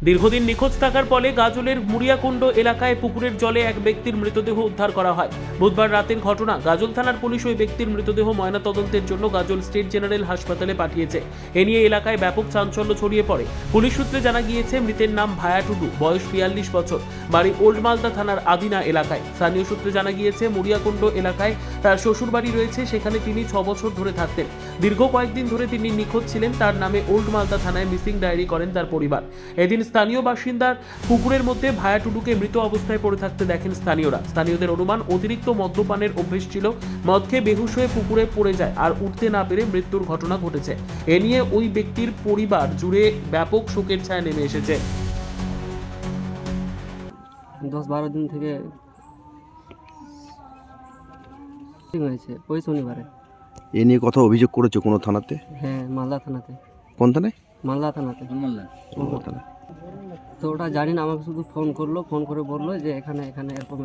দীর্ঘদিন নিখোঁজ থাকার ফলে গাজলের মুড়িয়াকুণ্ড এলাকায় পুকুরের জলে এক ব্যক্তির মৃতদেহ উদ্ধার করা হয়। বুধবার রাতের ঘটনা। গাজল থানার পুলিশ ওই ব্যক্তির মৃতদেহ ময়নাতদন্তের জন্য গাজল স্টেট জেনারেল হাসপাতালে পাঠিয়েছে। এ নিয়ে এলাকায় ব্যাপক চাঞ্চল্য ছড়িয়ে পড়ে। পুলিশ সূত্রে জানা গিয়েছে মৃতের নাম ভায়া টুডু, বয়স 42 বছর, বাড়ি ওল্ড মালদা থানার আদিনা এলাকায়। স্থানীয় সূত্রে জানা গিয়েছে মুড়িয়াকুণ্ড এলাকায় তার শ্বশুরবাড়ি রয়েছে, সেখানে তিনি 6 বছর ধরে থাকতেন। দীর্ঘ কয়েকদিন ধরে তিনি নিখোঁজ ছিলেন। তার নামে ওল্ড মালদা থানায় মিসিং ডায়েরি করেন তার পরিবার। এদিন স্থানীয় বাসিন্দার পুকুরের মধ্যে ভায়া টুডুকে মৃত অবস্থায় পড়ে থাকতে দেখেন স্থানীয়রা। স্থানীয়দের অনুমান অতিরিক্ত মদ্যপানের অভ্যেস ছিল। মদ খেয়ে বেহুশ হয়ে পুকুরে পড়ে যায় আর উঠতে না পেরে মৃত্যুর ঘটনা ঘটেছে। এ নিয়ে ওই ব্যক্তির পরিবার জুড়ে ব্যাপক শোকের ছায়া নেমে এসেছে। 10-12 দিন থেকে হয়েছে, ওই শনিবারে। এ নিয়ে কথা অভিযোগ করেছে কোনো থানাতে? হ্যাঁ, মালদা থানাতে। কোন থানায়? মালদা থানাতে। কোন থানায়? তো ওটা জানি না, আমাকে শুধু ফোন করলো, ফোন করে বললো যে এখানে এরকম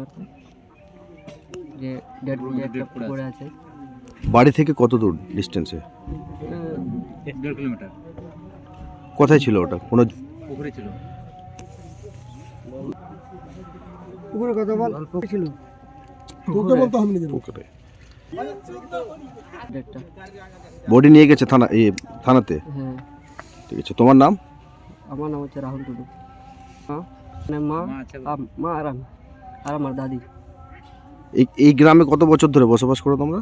যে ডেড বডি একটা পড়ে আছে। বাড়ি থেকে কত দূর ডিস্টেন্সে? 1.5 কিলোমিটার। কোথায় ছিল ওটা? কোনো পুকুরে ছিল। পুকুরে কত বল ছিল? তোকে বলতে হবে না। পুকুরে বডি নিয়ে গেছে থানাতে? হ্যাঁ। ঠিক আছে, তোমার নাম? আমার নাম হচ্ছে রাহুল টুডু। মা আর আমার দাদি। এই গ্রামে কত বছর ধরে বসবাস করো তোমরা?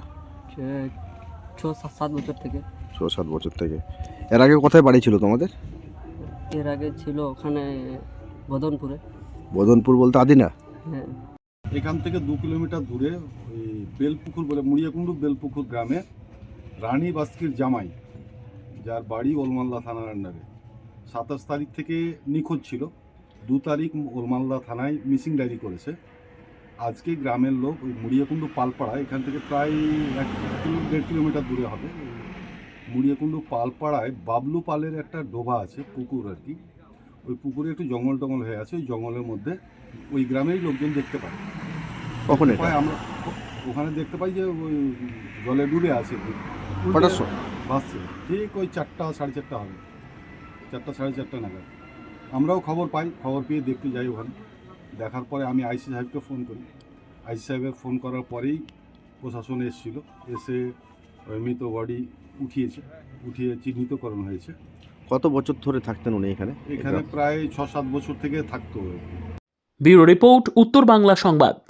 6-7 বছর থেকে। 6-7 বছর থেকে। এর আগে কোথায় বাড়ি ছিল তোমাদের? এর আগে ছিল ওখানে বদনপুরে। বদনপুর বলতে আদিনা? হ্যাঁ। এখান থেকে 2 কিলোমিটার দূরে ওই বেলপুকুর বলে মুড়িয়াকুণ্ডু বেলপুকুর গ্রামে রানী বাস্কির জামাই, যার বাড়ি ওলমালদা থানার আন্ডারে, 27 তারিখ থেকে নিখোঁজ ছিল। 2 তারিখ ওলমালদা থানায় মিসিং ডায়েরি করেছে। আজকে গ্রামের লোক ওই মুড়িয়াকুণ্ডু পালপাড়া, এখান থেকে প্রায় 1-1.5 কিলোমিটার দূরে হবে, মুড়িয়াকুণ্ডু পালপাড়ায় বাবলু পালের একটা ডোবা আছে, পুকুর আর কি। ওই পুকুরে একটু জঙ্গল টঙ্গল হয়ে আছে। ওই জঙ্গলের মধ্যে ওই গ্রামেরই লোকজন দেখতে পায়। কখন এটা? আমরা ওখানে দেখতে পাই যে ওই জলে ডুবে আছে, ভাসছে। ঠিক ওই 4টা 4:30 হবে, 4টা 4:30 নাগাদ আমরাও খবর পাই। খবর পেয়ে দেখতে যাই ওখানে। দেখার পরে আমি আইসি সাহেবকে ফোন করি। আইসি সাহেবের ফোন করার পরেই প্রশাসন এসেছিলো, এসে ওই মৃত বডি উঠিয়ে চিহ্নিতকরণ হয়েছে। কত বছর ধরে থাকতেন উনি এখানে? এখানে প্রায় 6-7 বছর থেকে থাকতো। ব্যুরো রিপোর্ট, উত্তর বাংলা সংবাদ।